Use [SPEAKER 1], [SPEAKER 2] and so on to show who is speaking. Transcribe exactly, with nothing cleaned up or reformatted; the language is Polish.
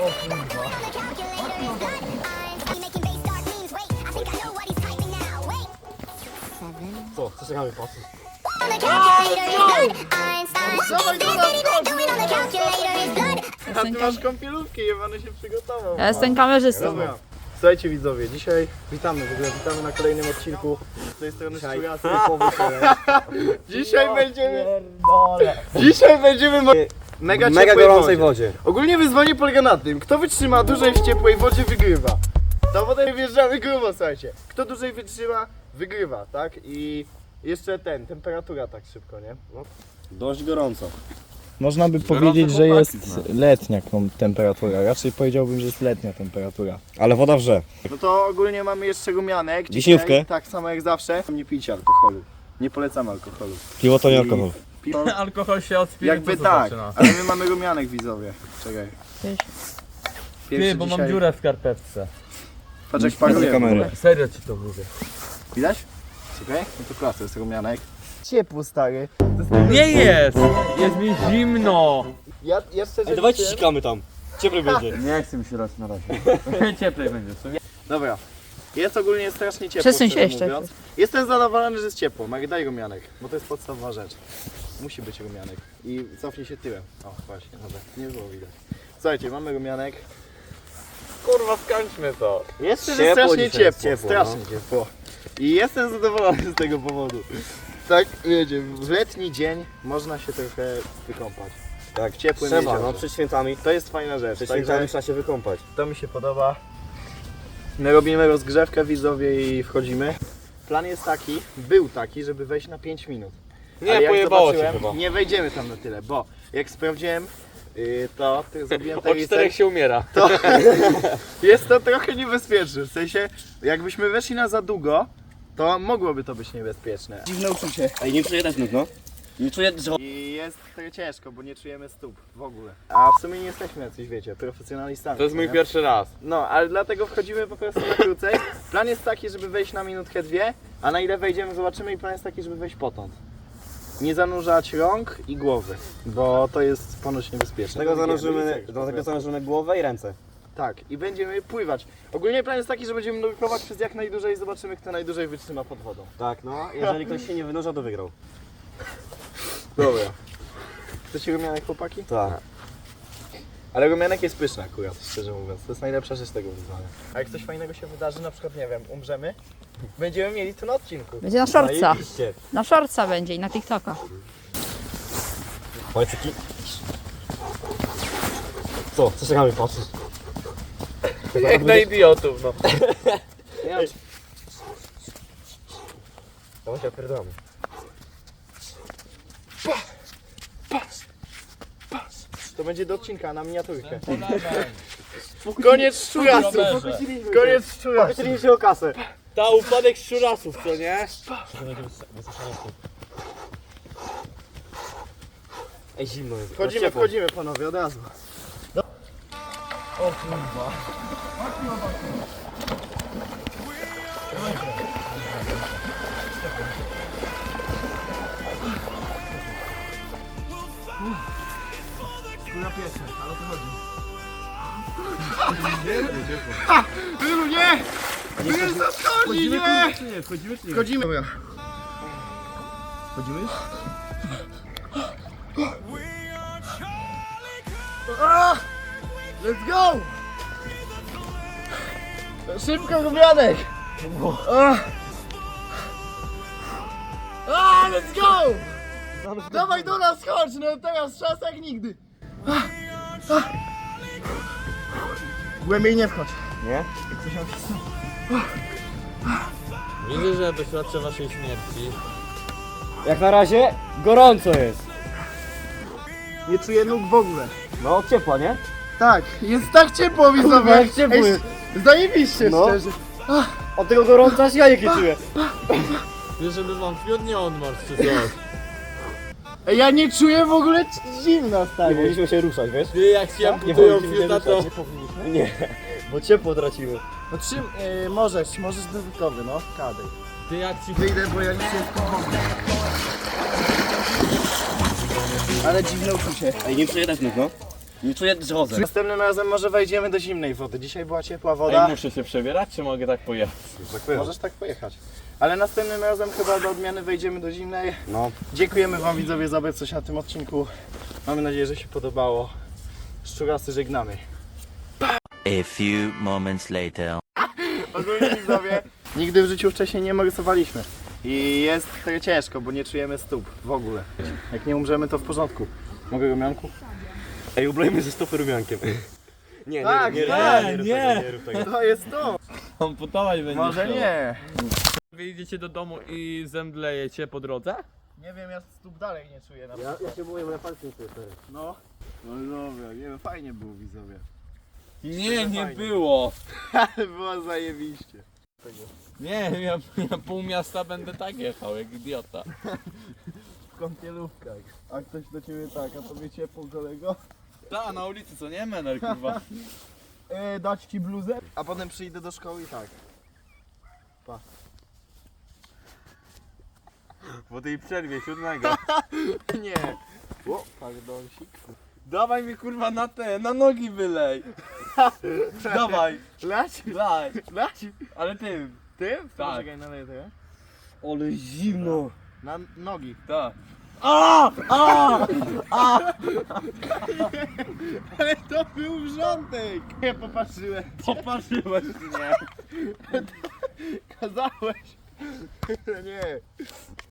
[SPEAKER 1] kurwa.
[SPEAKER 2] Co? Co czekamy, patrz.
[SPEAKER 1] Dawaj do nas, a ty masz kąpielówki, jebany się przygotował.
[SPEAKER 3] Ja jestem kamerzystą.
[SPEAKER 1] Dobra. Słuchajcie widzowie, dzisiaj witamy w ogóle, witamy na kolejnym odcinku. Z tej strony Szczujasy Dzisiaj będziemy... Dzisiaj będziemy mo- mega,
[SPEAKER 2] Mega
[SPEAKER 1] ciepłej
[SPEAKER 2] gorącej
[SPEAKER 1] wodzie.
[SPEAKER 2] wodzie.
[SPEAKER 1] Ogólnie wyzwanie polega na tym, kto wytrzyma dłużej w ciepłej wodzie, wygrywa. Ta woda wjeżdżamy grubo, słuchajcie. Kto dłużej wytrzyma, wygrywa, tak? I jeszcze ten, temperatura tak szybko, nie? No.
[SPEAKER 2] Dość gorąco.
[SPEAKER 4] Można by powiedzieć, że jest letnia kom- temperatura. Raczej powiedziałbym, że jest letnia temperatura.
[SPEAKER 2] Ale woda wrze.
[SPEAKER 1] No to ogólnie mamy jeszcze rumianek. Dzisiaj,
[SPEAKER 2] Wiśniówkę.
[SPEAKER 1] tak samo jak zawsze. Nie pijcie alkoholu. Nie polecamy alkoholu.
[SPEAKER 2] Piwo to nie
[SPEAKER 1] I-
[SPEAKER 2] alkohol.
[SPEAKER 1] Piwo,
[SPEAKER 5] Alkohol się od spirytusu
[SPEAKER 1] jakby tak,
[SPEAKER 5] zaczyna.
[SPEAKER 1] ale my mamy rumianek widzowie. Czekaj. Pierwszy
[SPEAKER 5] Ty, bo mam
[SPEAKER 1] dzisiaj-
[SPEAKER 5] dziurę w skarpetce.
[SPEAKER 1] Patrz jak
[SPEAKER 2] Bez
[SPEAKER 1] paruje.
[SPEAKER 2] kamery.
[SPEAKER 5] Serio ci to mówię.
[SPEAKER 1] Widać? Czekaj, no to klasa, jest rumianek. Ciepło stary.
[SPEAKER 5] Nie jest! Jest mi zimno!
[SPEAKER 1] Ja, ja szczerze
[SPEAKER 2] Ej, dawajcie
[SPEAKER 1] liczę-
[SPEAKER 2] sikamy tam. Cieplej będzie.
[SPEAKER 5] Nie chcę mi się raz na razie. Cieplej będzie, co nie?
[SPEAKER 1] Dobra. Jest ogólnie strasznie ciepło.
[SPEAKER 3] Przesuń się
[SPEAKER 1] szczerze
[SPEAKER 3] jeszcze.
[SPEAKER 1] mówiąc. Jestem zadowolony, że jest ciepło. Magda, daj rumianek, bo to jest podstawowa rzecz. Musi być rumianek. I cofnij się tyłem. O, właśnie, dobra, nie było widać. Słuchajcie, mamy rumianek.
[SPEAKER 5] Kurwa, skończmy to.
[SPEAKER 1] Jest szczerze
[SPEAKER 2] Ciepło
[SPEAKER 1] strasznie
[SPEAKER 2] dzisiaj jest,
[SPEAKER 1] ciepło,
[SPEAKER 2] ciepło,
[SPEAKER 1] strasznie ciepło. I jestem zadowolony z tego powodu. Tak, wiecie, w letni dzień można się trochę wykąpać.
[SPEAKER 2] Tak,
[SPEAKER 1] W ciepłym
[SPEAKER 2] trzeba,
[SPEAKER 1] jeziorze.
[SPEAKER 2] no przed świętami.
[SPEAKER 1] To jest fajna rzecz.
[SPEAKER 2] Przed
[SPEAKER 1] Także
[SPEAKER 2] świętami trzeba się wykąpać.
[SPEAKER 1] to mi się podoba. My robimy rozgrzewkę widzowie i wchodzimy. Plan jest taki, był taki, żeby wejść na pięć minut.
[SPEAKER 5] Nie,
[SPEAKER 1] Ale jak
[SPEAKER 5] pojebało cię
[SPEAKER 1] zobaczyłem,
[SPEAKER 5] chyba.
[SPEAKER 1] nie wejdziemy tam na tyle, bo jak sprawdziłem yy, to, to zrobiłem ten
[SPEAKER 5] O czterech się umiera.
[SPEAKER 1] to jest to trochę niebezpieczne. W sensie, jakbyśmy weszli na za długo, to mogłoby to być niebezpieczne. Dziwne uczucie.
[SPEAKER 2] Ej, nie czuję też no. Nie czuję, że...
[SPEAKER 1] I jest trochę ciężko, bo nie czujemy stóp w ogóle. A w sumie nie jesteśmy jacyś, wiecie, profesjonalistami.
[SPEAKER 5] To jest mój
[SPEAKER 1] nie?
[SPEAKER 5] pierwszy raz.
[SPEAKER 1] No, ale dlatego wchodzimy po prostu na krócej. Plan jest taki, żeby wejść na minutkę, dwie, a na ile wejdziemy zobaczymy i plan jest taki, żeby wejść potąd. Nie zanurzać rąk i głowy, bo to jest ponoć niebezpieczne.
[SPEAKER 2] Tego
[SPEAKER 1] No,
[SPEAKER 2] zanurzymy,
[SPEAKER 1] wiemy,
[SPEAKER 2] do tego zanurzymy głowę i ręce.
[SPEAKER 1] Tak, i będziemy pływać. Ogólnie plan jest taki, że będziemy nurkować przez jak najdłużej i zobaczymy, kto najdłużej wytrzyma pod wodą.
[SPEAKER 2] Tak, no. Jeżeli ktoś się nie wynurza, to wygrał.
[SPEAKER 1] Dobra. Chcecie rumianek, chłopaki?
[SPEAKER 2] Tak.
[SPEAKER 1] Ale rumianek jest pyszny akurat, szczerze mówiąc. To jest najlepsza rzecz tego wyzwania. A jak coś fajnego się wydarzy, na przykład, nie wiem, umrzemy, będziemy mieli to na odcinku.
[SPEAKER 3] Będzie na szorca.
[SPEAKER 2] Zajebiście.
[SPEAKER 3] Na szorca będzie i na TikToka.
[SPEAKER 2] Pojcyki. Co? Co czekamy, patrz.
[SPEAKER 5] Jak na idiotów, no.
[SPEAKER 2] Dawaj się opierdolamy.
[SPEAKER 1] To będzie do odcinka na miniaturkę. Koniec szczurasów! Koniec szczurasów!
[SPEAKER 2] Czyli się o kasę.
[SPEAKER 5] Ta upadek szczurasów, co nie?
[SPEAKER 2] Ej, zimno jest.
[SPEAKER 1] Wchodzimy,
[SPEAKER 2] Ciepło.
[SPEAKER 1] wchodzimy panowie, od razu. Wylu, nie! Wylu, zachodzi, nie!
[SPEAKER 5] Czy nie? Wchodzimy czy nie?
[SPEAKER 1] Wchodzimy. Dobra. Wchodzimy? Ah! Let's go! Szybko, rumianek! Ah! Ah, let's go! Dawaj do nas, chodź, no teraz czas jak nigdy. Ah! Ah! Głębiej nie wchodź.
[SPEAKER 2] Nie?
[SPEAKER 5] Widzę, że doświadczę waszej śmierci.
[SPEAKER 2] Jak na razie gorąco jest.
[SPEAKER 1] Nie czuję nóg w ogóle.
[SPEAKER 2] No, ciepła, nie?
[SPEAKER 1] Tak, jest tak ciepło, widzowie.
[SPEAKER 2] jak ciepło
[SPEAKER 1] Ej,
[SPEAKER 2] jest.
[SPEAKER 1] Zajebiście,
[SPEAKER 2] No.
[SPEAKER 1] szczerze.
[SPEAKER 2] Od tego gorąca aż ja nie czuję.
[SPEAKER 5] Wiesz, żeby wam fiut nie odmarł czy coś.
[SPEAKER 1] Ej, ja nie czuję w ogóle c- zimna,
[SPEAKER 2] Nie
[SPEAKER 1] stary.
[SPEAKER 2] powinniśmy się ruszać, wiesz?
[SPEAKER 5] Ty jak się
[SPEAKER 2] Nie
[SPEAKER 5] amputują
[SPEAKER 2] powinniśmy się
[SPEAKER 5] fiuta, to...
[SPEAKER 2] ruszać, nie powinniśmy. Nie, bo ciepło tracimy.
[SPEAKER 1] No czym, yy, możesz, możesz dodatkowy, no. Kadej.
[SPEAKER 5] Ty jak ci...
[SPEAKER 1] Wyjdę, bo ja nie się w Ale dziwne uczucie.
[SPEAKER 2] Ej, nie czuję też nóg, no. Nie czuję drzozę.
[SPEAKER 1] Następnym razem może wejdziemy do zimnej wody. Dzisiaj była ciepła woda.
[SPEAKER 5] Ej, muszę się przebierać, czy mogę tak pojechać?
[SPEAKER 1] Możesz tak pojechać. Ale następnym razem chyba do odmiany wejdziemy do zimnej.
[SPEAKER 2] No.
[SPEAKER 1] Dziękujemy wam widzowie za obecność na tym odcinku. Mamy nadzieję, że się podobało. Szczurasy żegnamy.
[SPEAKER 6] A few moments later.
[SPEAKER 1] Ogólnie widzowie, nigdy w życiu wcześniej nie rysowaliśmy. I jest trochę ciężko, bo nie czujemy stóp w ogóle. Jak nie umrzemy, to w porządku. Mogę rumianku?
[SPEAKER 2] Ej, ublejmy ze stopy rumiankiem. Nie,
[SPEAKER 1] Tak,
[SPEAKER 2] nie, nie,
[SPEAKER 1] tak,
[SPEAKER 2] nie, rób
[SPEAKER 5] nie.
[SPEAKER 2] tego, nie rób tego.
[SPEAKER 1] To jest to!
[SPEAKER 5] Amputować będzie.
[SPEAKER 1] Może nie.
[SPEAKER 5] Wy idziecie do domu i zemdlejecie po drodze?
[SPEAKER 1] Nie wiem, ja stóp dalej nie czuję na
[SPEAKER 2] Ja, ja się boję, bo ja palce nie czuję teraz.
[SPEAKER 1] No. No dobra, nie wiem, fajnie było widzowie.
[SPEAKER 5] Nie, nie
[SPEAKER 1] fajnie.
[SPEAKER 5] było.
[SPEAKER 1] Było zajebiście.
[SPEAKER 5] Nie, ja, ja pół miasta będę tak jechał, jak idiota.
[SPEAKER 1] W kąpielówkach. A ktoś do ciebie tak, a tobie ciepło kolego?
[SPEAKER 5] Ta, na ulicy, co nie, Mener, kurwa.
[SPEAKER 1] E, dać ci bluzę? A potem przyjdę do szkoły i tak.
[SPEAKER 5] Po tej przerwie siódmego.
[SPEAKER 1] Nie. O, pardonsik.
[SPEAKER 5] Dawaj mi kurwa na te, na nogi wylej. Dawaj,
[SPEAKER 1] Lać?
[SPEAKER 5] daj.
[SPEAKER 1] Lać?
[SPEAKER 5] Ale tym.
[SPEAKER 1] Tym? To
[SPEAKER 5] Tak.
[SPEAKER 1] Poczekaj, naleję tego.
[SPEAKER 2] Ale zimno.
[SPEAKER 1] Na nogi.
[SPEAKER 5] Tak. A! A!
[SPEAKER 1] Ale to był wrzątek! Nie popatrzyłem.
[SPEAKER 5] Popatrzyłeś mnie.
[SPEAKER 1] Kazałeś. Nie.